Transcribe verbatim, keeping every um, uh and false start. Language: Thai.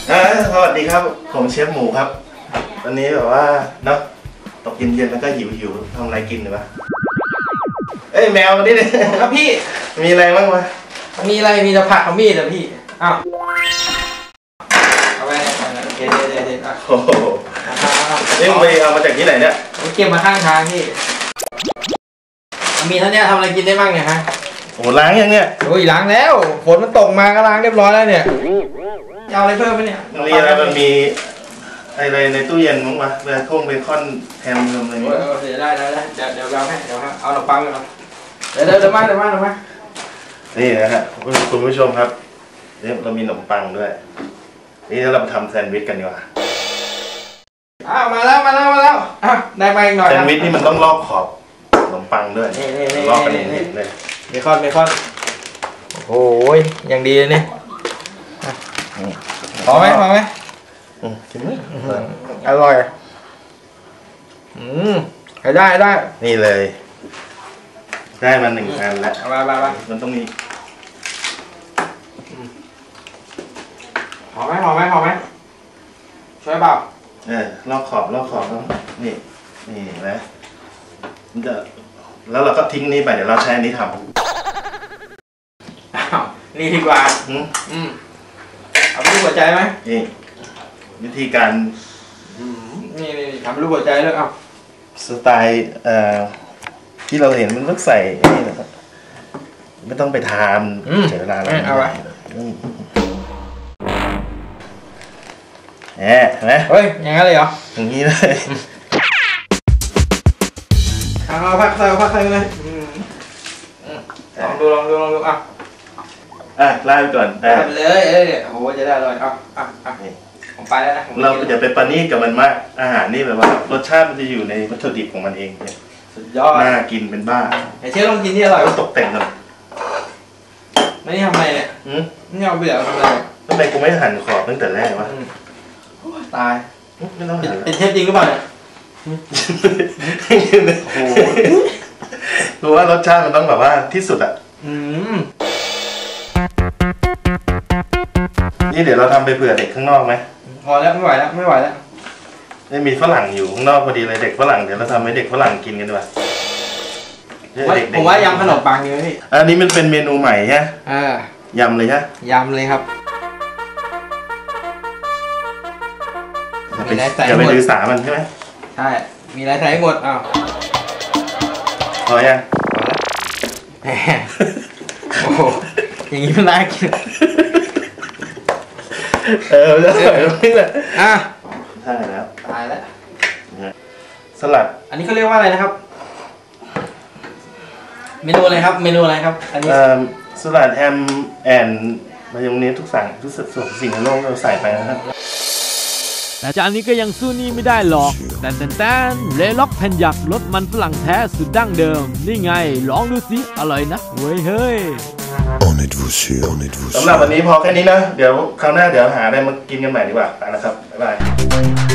สวัสดีครับผมเชฟหมูครับวันนี้แบบว่าเนาะตกเย็นๆแล้วก็หิวหิวทำอะไรกินหรือเปล่าเอ้ยแมวมาดิเลยครับพี่มีอะไรบ้างวะมีอะไรมีแต่ผักกับมีดแต่พี่อ้าวเอาไปโอเคเด็ดเด็ดโอ้โหนี่ไปเอามาจากที่ไหนเนี่ยผมเก็บมาข้างทางพี่มีเท่านี้ทำอะไรกินได้บ้างเนี่ยฮะโอ้ล้างยังเนี่ยโอ้ยล้างแล้วฝนมันตกมาก็ล้างเรียบร้อยแล้วเนี่ยเอาอะไรเพิ่มไหมเนี่ยมีอะไรมันมีอะไรในตู้เย็นมั้งวะเบคอนเบคอนแฮมอะไรนี่เดี๋ยวได้ได้เดี๋ยวเดี๋ยวเราให้เดี๋ยวฮะเอาขนมปังไปก่อนเดี๋ยวเดี๋ยวมาเดี๋ยวมาเดี๋ยวมานี่นะฮะคุณผู้ชมครับนี่เรามีขนมปังด้วยนี่เราทำแซนด์วิชกันดีกว่าอ้าวมาแล้วมาแล้วมาแล้วอ่ะได้มาอีกหน่อยแซนด์วิชนี่มันต้องลอกขอบขนมปังด้วยลอกกันเองเลยเบคอนเบคอนโอ้ยอย่างดีเลยเนี่ยพอไหมพอไหมกินไหมอร่อยอืมได้ได้นี่เลยได้มาหนึ่งอันแล้วมามามามันต้องมีพอไหมพอไหมพอไหมช่วยเปล่าเออลอกขอบลอกขอบต้องนี่นี่นะมันจะแล้วเราก็ทิ้งนี้ไปเดี๋ยวเราใช้อันนี้ทำอ้าวนี่ดีกว่าอืมอืมเอารูปหัวใจไหมนี่วิธีการนี่นี่ทำรูปหัวใจเลยเอาสไตล์เอ่อที่เราเห็นมันต้องใส่นี่นะครับไม่ต้องไปทานเสียเวลาแล้วเอาไว้แหมเห็นไหมเฮ้ยอย่างนั้นเลยเหรออย่างนี้เลยเอาพักใส่พักใส่เลยลองดูลองดูลองดูอ่ะอ่ะไล่ไปก่อนได้ไปเลยเอ้ยโอ้โหจะได้เลยอ่ะอ่ะอ่ะผมไปแล้วนะเราจะไปปานี่กับมันมากอาหารนี่แบบว่ารสชาติมันจะอยู่ในวัตถุดิบของมันเองเนี่ยสุดยอดน่ากินเป็นบ้าไอ้เชฟลองกินที่อร่อยต้องตกแต่งกันไม่ทำอะไรเนี่ยนี่เอาเบื่อทำอะไรทำไมกูไม่หั่นขอบตั้งแต่แรกวะตายไม่ต้องหั่นเป็นเชฟจริงหรือเปล่าเนี่ยโอ้โหรู้ว่ารสชาติมันต้องแบบว่าที่สุดอ่ะนี่เดี๋ยวเราทำไปเผื่อเด็กข้างนอกไหมพอแล้วไม่ไหวแล้วไม่ไหวแล้วนี่มีฝรั่งอยู่ข้างนอกพอดีเลยเด็กฝรั่งเดี๋ยวเราทำให้เด็กฝรั่งกินกันดีกว่าผมว่ายำขนมปังดีไหมพี่อันนี้มันเป็นเมนูใหม่ใช่ไหมอ่ายำเลยใช่ยำเลยครับอย่าไปดื้อสามันใช่ไหมใช่มีอะไรใส่หมดอ้าวพอยังพอแล้วโอ้โหอย่างนี้มันน่ากินเออจะใส่นี่แหละอ่ะใช่แล้วตายแล้วสลัดอันนี้เขาเรียกว่าอะไรนะครับเมนูอะไรครับเมนูอะไรครับอันนี้สลัดแฮมแอนมายองเนสทุกสั่งทุกส่วนสิ่งในโลกเราใส่ไปนะครับแต่จานนี้ก็ยังสู้นี่ไม่ได้หรอกแต่แต่แต่เลล็อกแผ่นหยักรสมันฝรั่งแท้สุดดั้งเดิมนี่ไงลองดูสิอร่อยนะเว้ยเฮ้ยสำหรับวันนี้พอแค่นี้นะเดี๋ยวคราวหน้าเดี๋ยวหาอะไรมากินกันใหม่ดีกว่าไปแล้วครับบ๊ายบาย